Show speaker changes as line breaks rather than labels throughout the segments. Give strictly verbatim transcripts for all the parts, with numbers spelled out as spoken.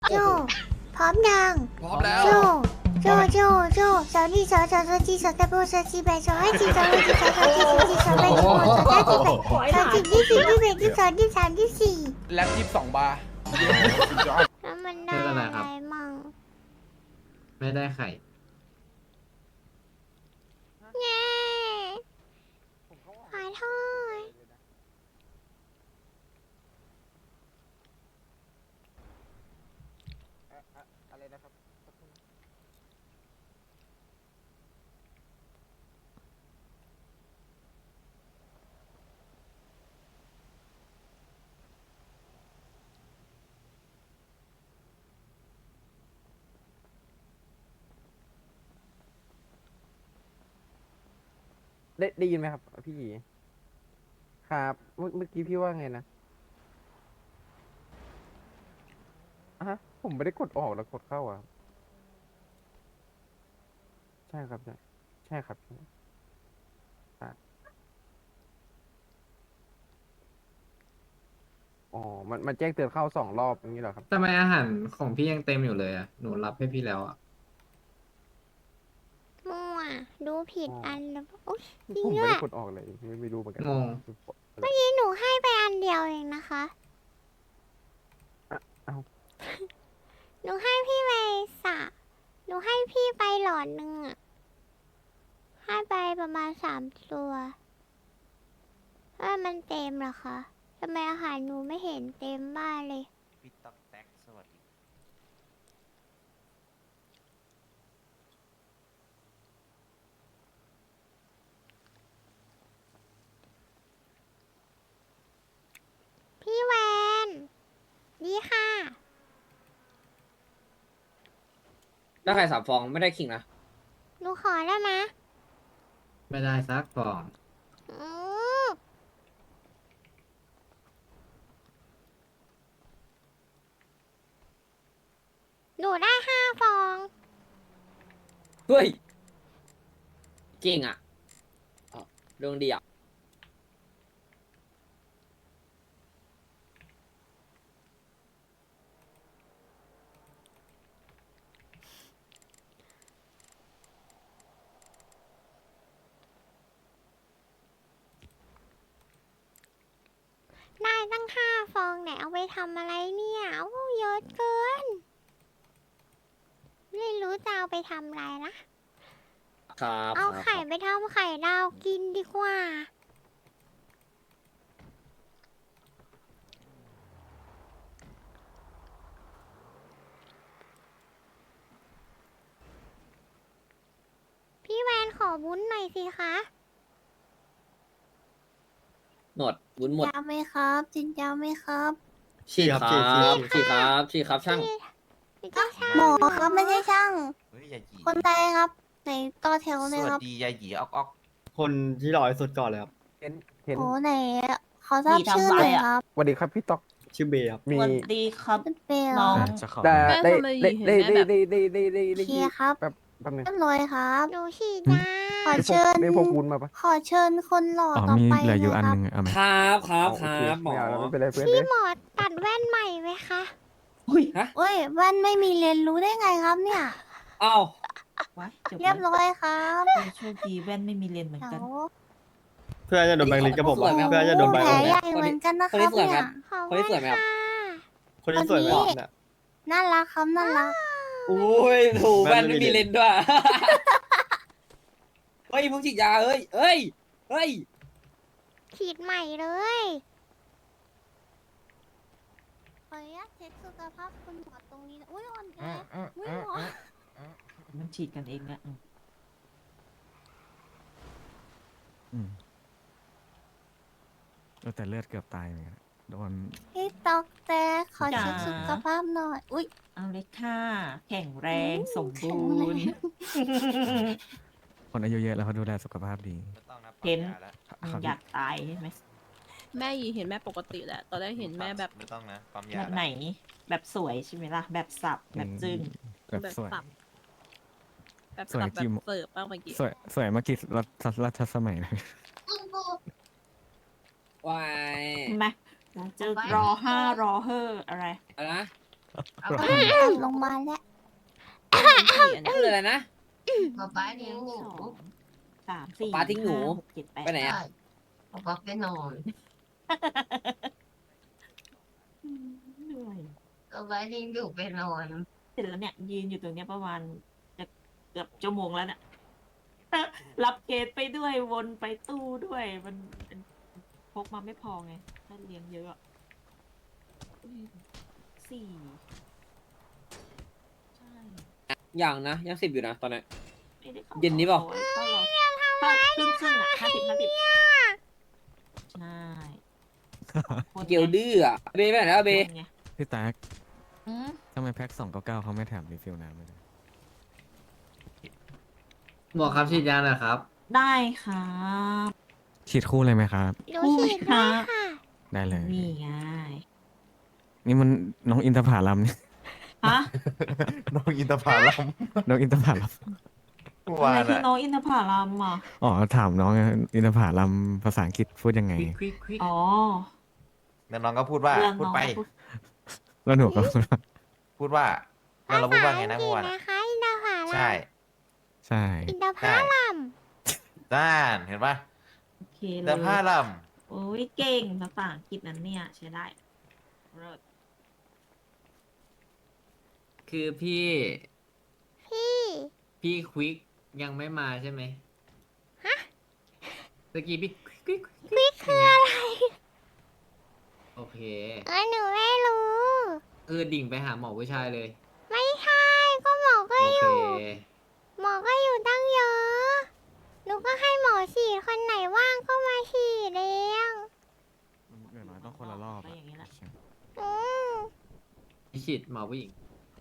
โจพร้อมยัง
พร้อมแล้ว
โจโจโจโจสาวนี่สาวสาวสาวจีสาวตะโบสาวจีแบสาวให้จีสาวให้จีสาวสาวจีสาวจีสาวแบสาวสาวจีแบสาวจีที่สี่ที่แบที่สองที่สามที่สี่
แล็บยี่สิบสองบาร์
แล้วมันได้อะไรมั่ง
ไม่ได้ไข่
เย้ขอโทษ
อะไรนะครับ
ได้ได้ยินไหมครับพี่ครับเมื่อเมื่อกี้พี่ว่าไงนะอ่ะฮะผมไม่ได้กดออกแล้วกดเข้าอ่ะใช่ครับใช่ใช่ครับใช่อ่ะอ๋อมันมันแจ้งเตือนเข้าสองรอบอย่างนี้เหรอครับ
ทำไมอาหารของพี่ยังเต็มอยู่เลยอ่ะ หนูรับให้พี่แล้วอ่ะ
มั่วดูผิดอันแล้วโอ๊ยจริง
ผม
ด้
ไม่
วย
ได้กดออกเลยไม่ไม่รู้เหมือนกัน
งง
เมื่อกี้หนูให้ไปอันเดียวเองนะคะ
เอ้า
หนูให้พี่ไปสะหนูให้พี่ไปหลอดหนึ่งอะให้ไปประมาณสามตัวเอ้ยมันเต็มเหรอคะทำไมอาหารหนูไม่เห็นเต็มบ้านเลย
พี่ต๊อกแท็กสวัสดี
พี่แวนดีค่ะ
ได้ไข่สามฟองไม่ได้ขิงนะ
หนูขอได้ไหม
ไม่ได้ซักฟอง
อือหนูได้ห้าฟอง
เฮ้ยเก่งอ่ะอ๋อดวงดีอ่ะ
ได้ตั้งห้าฟองเนี่ยเอาไปทำอะไรเนี่ยโอ้เยอะเกิน ไม่รู้จะเอาไปทำอะไรนะ
ครับ
เอา
ครับ
ไข่ไปทำไข่ดาวกินดีกว่า พี่แวนขอวุ้นหน่อยสิคะ
หมดวุ้นหมด
ยาไหมครับจินยาไหมครับ
ฉีกครับฉีกครับฉีกครับช่าง
พี่เจ้าชาย
หมอครับไม่ใช่ช่าง
เฮ้ยยาหยี
คนใดครับไหนต่อแถว
ส
เลย
วั
ค
ส
รับ
ดียาหยีออกออก
คนที่หล่อที่สุดก่อนเลยครับ
เห็นเห็น
โอ้ไหนขอทราบชื่อหน่อยครับ
สวัสดีครับพี่ต๊อก
ชื่อเบย์ครับ
มี
สวัสดีครับ
เป็นเปล
น้อง
ได้
แม่
ได้
ทำไม
ได้
เห็น
ได้
แม่
ได้
แบบ
ได้ได้ได้ได้
เคลียร์ครับ
แป๊บแป๊บนึง
เรียบร้อยครับ
หนูฉีดยา
ขอเชิญ
ได้พวกคุณมาปะ
ขอเชิญคนหล่อ
อ๋อ
ต่อ
มี
ไป
เหลืออยู่อัน
นะ
ห
ค
นึ่
รับ
งเอาไหม
ครับครับ
เอา
ค
โอเ
รับหมอ
ไม่เอาแล้วไม่เป็นไรเพื่อน
พี่
เลย
หมอตัดแว่นใหม่ไหมคะ
อุ้ย
ฮะ
เอ้ยแว่นไม่มีเรียนรู้ได้ไงครับเนี่ย
เอ้า
ว้ายจบ
เรียบร้อยครับ
เลยโชคดีแว่นไม่มีเลนส์เหมือน
เดี๋
กัน
ยว
เพื่อนจะโดนแบงค์ลิสกับผม
สวยไหม
อะเพื่อนจะโดนแบงค์
แผล
ลิส
ใหญ่เหมือนกันนะครับ
คนนี้สวยไหม
เนี่ย
ขอบ
คนนี้สวยไหมครับ
ค่ะ
คนที่สวยไหม
คนนี้
เนี่ย
น่ารักครับน่ารัก
อุ้ยถูก
แว่
แว่น
นไม่
ไม่
มี
มีเลนส์ด้วย เฮ้ยมึงฉีดยาเอ้ยเฮ้ยเฮ้ย
ฉีดใหม่เลย
ขออนุญาตเช็คสุขภาพคุณหมอตรงนี้นะอุ้ยอ่อนแออุ้ยหมอ
มันฉีดกันเองอะอืม
อืมเออแต่เลือดเกือบตายเหมือนกันโดน
พี่ตอกแต่ขอเช็คสุขภาพหน่อย อุ้ย
เอาเลยค่ะ แข็งแรง
อืม
สม
แข็
บู
งแร
รง ณ์
คนอายุเยอะแล้วเขาดูแลสุขภาพดี
ไม่ต้องนะ
เห็น
ปั๊มยาแล้ว
ครับ
อยากตายใช่ไหม
แม่ยีเห็นแม่ปกติแหละ ตอนแรกเห็นแม่แบบ
ไม่ต้องนะปั๊มยา
แบบ
แล้ว
ไหน แบบสวยใช่ไหมล่ะ แบบสับ แบบจึ้ง
แบบ
แบบ
สวย
สับ แบบ
สวย
สับแบ
จิ้
บ
ม
เสิร์ฟบ้างเมื่อกี้
สวยสวยเมื่อกี้รัชรัชสมัยเลย
วาย
เห็นไหมจะรอห้ารอเฮออะไร
อะไรนะ
เอาไปเอาลงมาลแล้ว
พูดอะไรนะ
ป๊าป๊าทิ้งหนู
สามสี่
ป๊าทิ้งหนู
าหกเจ็ดแปด
ไปไหนอะ
ป๊าป๊าไปนอน
เหนื่อย
ป๊าป๊าทิ้งหนูไปนอน
เสร็จแล้วเนี่ย ยืนอยู่ตรงเนี้ยประมาณจะเกือบชั่วโมงแล้วเนี่ย รับเกตไปด้วยวนไปตู้ด้วย มันมันพกมาไม่พอไง ถ้าเลี้ยงเยอะอะอืมสี่ใช่
อย่างนะ ยังสิบอยู่นะ ตอนนี้
ไม่ได้เข้า
เย็นนี้เปล่า
เข้ารอเข้าครึ่งครึ่งๆอ่ะห้าสิบห้าสิบใช่คน
เกียวดื้ออะเบย์ไปไหนแล้วเบย์
คนไง
พี่แต๊ก
อืม
ทำไมแพ็คสองเก้าเก้าเขาไม่แถมรีฟิลน้ำเลย
บอกครับฉีดยาหน่อยครับ
ได้ครับ
ฉีดคู่เลยไหมครับ
หนูฉีดด้วยค่ะ
ได้เลย
นี่ไง
นี่มันน้องอินทผลัมนี่
ฮะ
น้องอินทผลัม
น้องอินทผลัม
เมื่อ
อะ
วา
ไร
น
คือ
อะ
น้องอินทผลัมอ่ะ
อ๋อถามน้องไงอินทผลัมภาษาอังกฤษพูดยังไง
ควิกควิก
อ๋อ
แล้วน้องก็พูดว่า
เรื่อง
พูด
น้อง
ไป
พูด
แล้วหนูก็
พูดว่าแล้วเราพูดว่าไงนะ
ภา
เมื่อ
ษา
วา
อั
น
งกฤษ
อะ
นะคะอินทผลัม
ใช่
ใช่
อินทผลัม
ด้านเห็นปะ
โอเคเล
แต่
ย
ผ้าลัม
โอ้ยเก่งภาษาอังกฤษนั้นเนี่ย ใช้ได้เลิศ
คือพี่
พี่
พี่ควิกยังไม่มาใช่ไหมฮะตะกี้พี่ควิกควิก
ควิกคืออะไร
โอเค
เออหนูไม่รู้
คือดิ่งไปหาหมอผู้ชายเลย
ไม่ใช่ก็หมอก็
โอ
อ
เค
ยู่ หมอก็อยู่ตั้งเยอะ หนูก็ให้หมอฉีดคนไหนว่างก็มาฉีดเอง
เดี๋ยวน้อยต้องคนละรอบ
ก็อย่างนี้แหละ
อืม
พี่ฉีดหมอผู้หญิง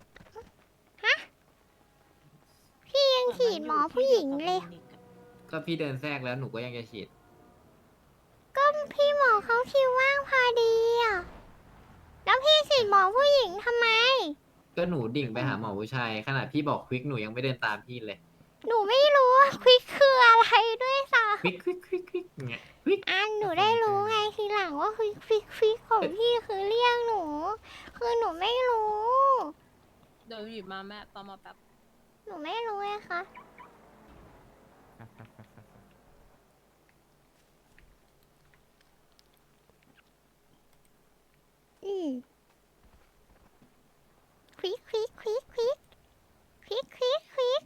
พี่ยังฉีดหมอผู้หญิงเลย
ก็พี่เดินแทรกแล้วหนูก็ยังจะฉีด
ก็พี่หมอเขาคิวว่างพอดีอ่ะ แล้วพี่ฉีดหมอผู้หญิงทำไม
ก็หนูดิ่งไปหาหมอผู้ชาย ขนาดพี่บอกควิกหนูยังไม่เดินตามพี่เลย
หนูไม่รู้ว่าควิกคืออะไรด้วยซ้
ควิกควิกควิกควิกเงี้ยควิก
ำอันหนูได้รู้ไงทีหลังว่าควิกควิกควิกของพี่คือเรียกหนู คือหนูไม่รู้
เดี๋ยวหยิบมาแม่ตอมาแป๊บ
หนูไม่รู้ไงคะอืมควิกควิกควิกควิกควิกควิกควิก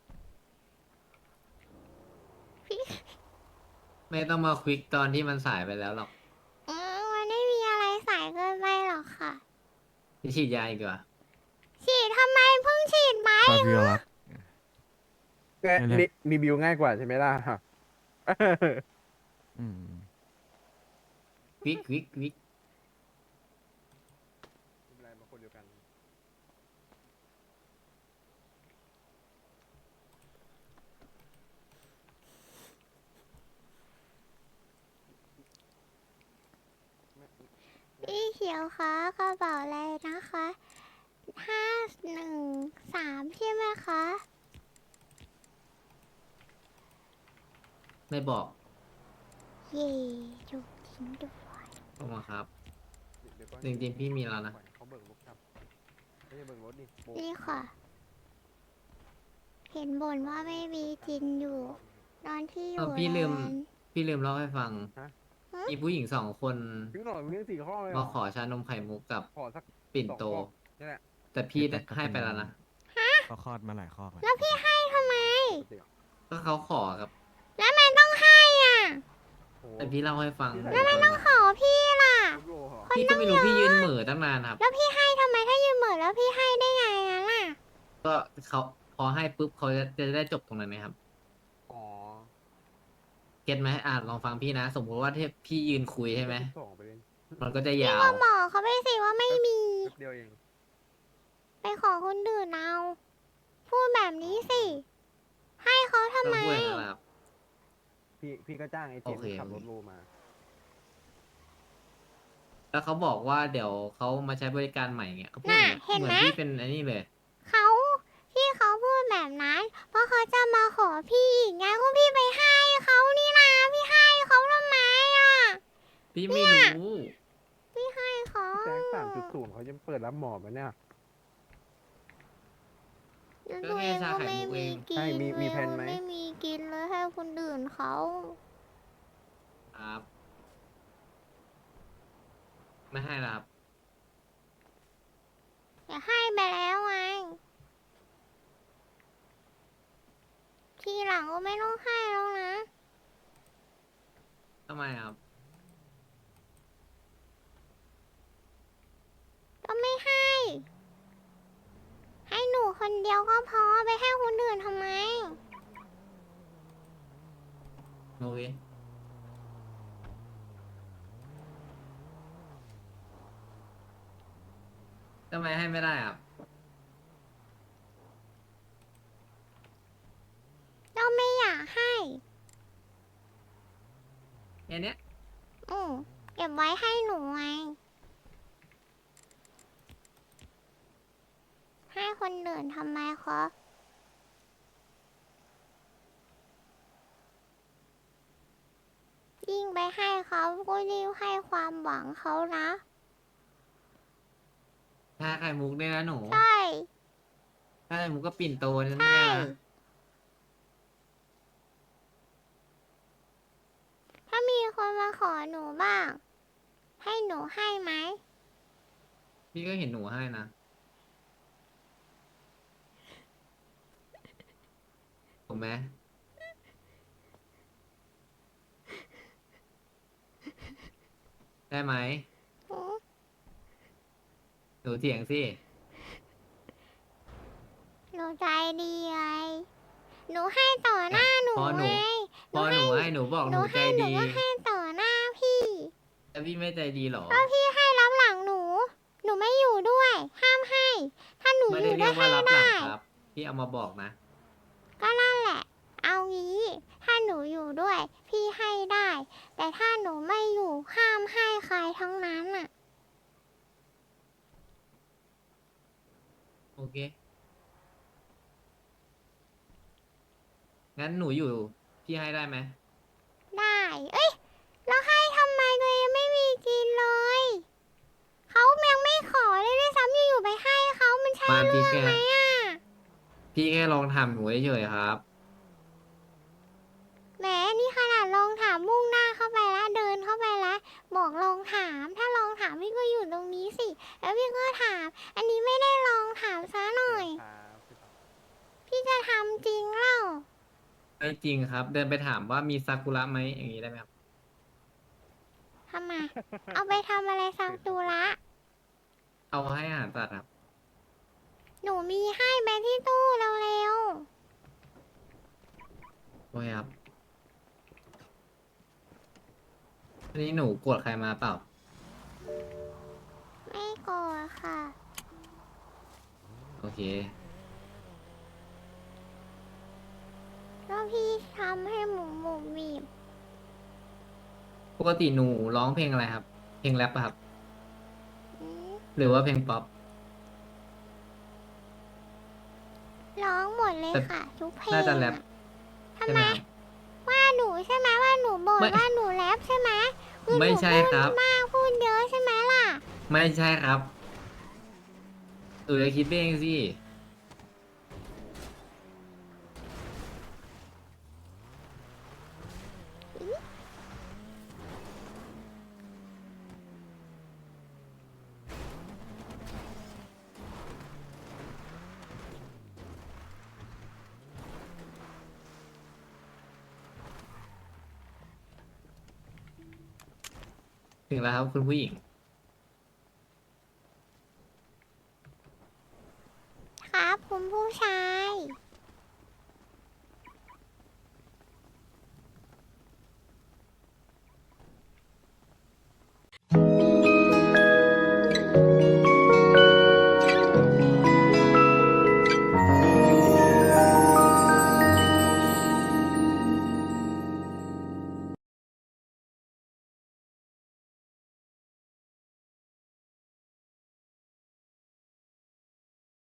ควิก
ไม่ต้องมาควิกตอนที่มันสายไปแล้วหรอก
อืมมันไม่มีอะไรสายเกินไปหรอกค่ะ
พี่ฉีดยาอีกดีกว่า
ฉีดทำไมเพิ่งฉีดไหม
ฟาบิโอลัส
แกรีรีวิวง่ายกว่าใช่ไหมล่ะ
อืม
ควิกควิกควิก
ไม่เป็นไรมาคนเดียวกัน
พี่เขียวคะกระเป๋าอะไรนะคะห้าหนึ่งสามใช่ไหมคะ
ไม่บอก
เย่ถูกจริงด้วย
ลงมาครับ
เดี๋ยวก่อน
จริงๆพี่มีแล้วนะ
เขาเบิกรถครับไม่ใช่เบิกรถดิโบ
นี่ค่ะ เห็นบ่นว่าไม่มีจินอยู่ ตอนที่อ
เอยู่ อพี่ลืม
แลนด์
พี่ลืมเล่าให้ฟัง
ฮะ
มีผู้หญิงสองคน
ถึงหน่อยเรื่องสี่ข้อเลยเหร
มา
อ
ขอชานมไข่มุกกับ
ขอสัก
ปิ่นโต
สองข้อนี่แหละ
แต่พี่ได้ให้ไปแล้วนะ
เขาคลอดมาหลายข้อแล้ว
แล้วพี่ให้ทำไม
ก็เขาขอครับ
แล้วมันต้องให้อ่ะ
โอ้
แต่พี่เล่าให้ฟัง
แล้วมันต้อง
ขอพี่ล่ะ
โหเหรอ
พี่ก็ไม่รู้พี่ยืนเหม่อตั้งนานครับ
แล้วพี่ให้ทำไมถ้ายืมเหมือนแล้วพี่ให้ได้ไงอะล่ะ
ก็เขาพอให้ปุ๊บเขาจะจะได้จบตรงนั้นไหมครับ
อ๋อ
เก็ตไหมอ่ะลองฟังพี่นะ สมมติว่าที่พี่ยืนคุยใช่ไหม
สองไปเลย
มันก็จะยาว
ก็บอกเขาไปสิว่าไม่มี
แป๊บเดียวเอง
ไปขอคนอื่นเอา พูดแบบนี้สิ ให้เขาทำ
ต้อง
ไม
พูดอย่างนั้นแหละครับ
พี่พี่ก็จ้างไอ้เจ
โอน เค
ขับรถโลมา
แล้วเขาบอกว่าเดี๋ยวเขามาใช้บริการใหม่เงี้ยเขาพูด
น่ะ
อย่างเงี้ย
เห็น
เหมื
ไห
อ
ม
นพี่เป็นอันนี้เลย
เขาที่เขาพูดแบบนั้น เพราะเขาจะมาขอพี่อีกไงก็พี่ไปให้เขานี่นะพี่ให้เขาทำไมอ่ะ
พี่ไม่รู้
พี่ให้เขา
แจ้งสามจุดศูนย์เขายังเปิดรับหมอมาเนี่ย
แล้ว
ก็
ตัว
แค่
เอง
ชา
ก็
ไข่
ไม่
มุกเอ
มี
ง
กิ
ใช่
น
มีมี
เลย
แผนไหม
ไม่มีกินเลยให้คนอื่นเขา
ครับ ไม่ให้ละครับ
อย่าให้ไปแล้วไงทีหลังก็ไม่ต้องให้แล้วนะ
ทำไมครับ
ก็ไม่ให้ ให้หนูคนเดียวก็พอไปให้คนอื่นทำไม
โอเคทำไมให้ไม่ได้ครับ
ก็ไม่อยากให้
แค่เนี้ย
อืมเก็บไว้ให้หนูไง ให้คนอื่นทำไมคะยิ่งไปให้เขาก็ยิ่งให้ความหวังเขานะ
ชาไข่มุกเนี่ยนะหนู
ใช่
ชาไข่มุกก็ปิ่นโตนั่น
ใช่
เนี่ยนะ
ถ้ามีคนมาขอหนูบ้าง ให้หนูให้ไหม
พี่ก็เห็นหนูให้นะ ถูกไหม ได้ไหม
อืม
หนูเถียงสิ
หนูใจดีไง หนูให้ต่อหน้าหนู
พอหนู
ไง
พอหนูให้หนูบอก
ห
ห
นู
นูใจ
ให้หนู
ดี
ก็ให้ต่อหน้าพี่
แล้วพี่ไม่ใจดีเหรอ
ก็พี่ให้รับหลังหนู หนูไม่อยู่ด้วย ห้ามให้ ถ้าหนู
ไม่
อ
ได้
ยู่
เรี
ด้
ย
วย
กว่า
ให้
รับหลั
ได้
งครับ พี่เอามาบอกนะ
ก็นั่นแหละ เอางี้ ถ้าหนูอยู่ด้วย พี่ให้ได้ แต่ถ้าหนูไม่อยู่ห้ามให้ใครทั้งนั้นอ่ะ
โอเค งั้นหนูอยู่ พี่ให้ได้ไหม
ได้ เอ้ย แล้วให้ทำไมตัวเองไม่มีกินเลย เขายังไม่ขอเลยด้วยซ้ำอยู่ๆไปให้เขามันใช่
มา
เรื่
พี่
อง
แค่
ไหมอ่ะ
พี่แค่ลองทำหนูเฉยๆครับ
แหมนี่ขนาดลองถามมุ่งหน้าเข้าไปแล้วเดินเข้าไปแล้วบอกลองถาม ถ้าลองถามพี่ก็อยู่ตรงนี้สิ แล้วพี่ก็ถาม อันนี้ไม่ได้ลองถามซะหน่อย พี่จะทำจริงเล่า
ไม่จริงครับ เดินไปถามว่ามีซากุระไหมอย่างนี้ได้ไหมครับ
ทำไม เอาไปทำอะไรซังตูระ
เอาให้อาหารสัตว์ครับ
หนูมีให้ไปที่ตู้เร็ว
โอเคครับอันนี้หนูโกรธใครมาเปล่า
ๆ ไม่โกรธค่ะ
โอเค
แล้วพี่ทำให้หมูหมูบีบ
ปกติหนูร้องเพลงอะไรครับ เพลงแรปปะครับ
อืม
หรือว่าเพลงป๊อป
ร้องหมดเลย
แต่
ค่ะ ทุกเพลง
น่าจะแรป
อะทำ
ใช่
ไม
ไหมครับ
ว่าหนูใช่ไหมว่าหนูบ่น
ไม่
ว่าหนูแรปใช่ไหมคือหนู
ไม่ใช่ครับ
พูดมากพูดเยอะใช่ไหมล่ะ
ไม่ใช่ครับหนูจะคิดเองสิ ถึงแล้วครับคุณผู้หญิง
ครับคุณผู้ชาย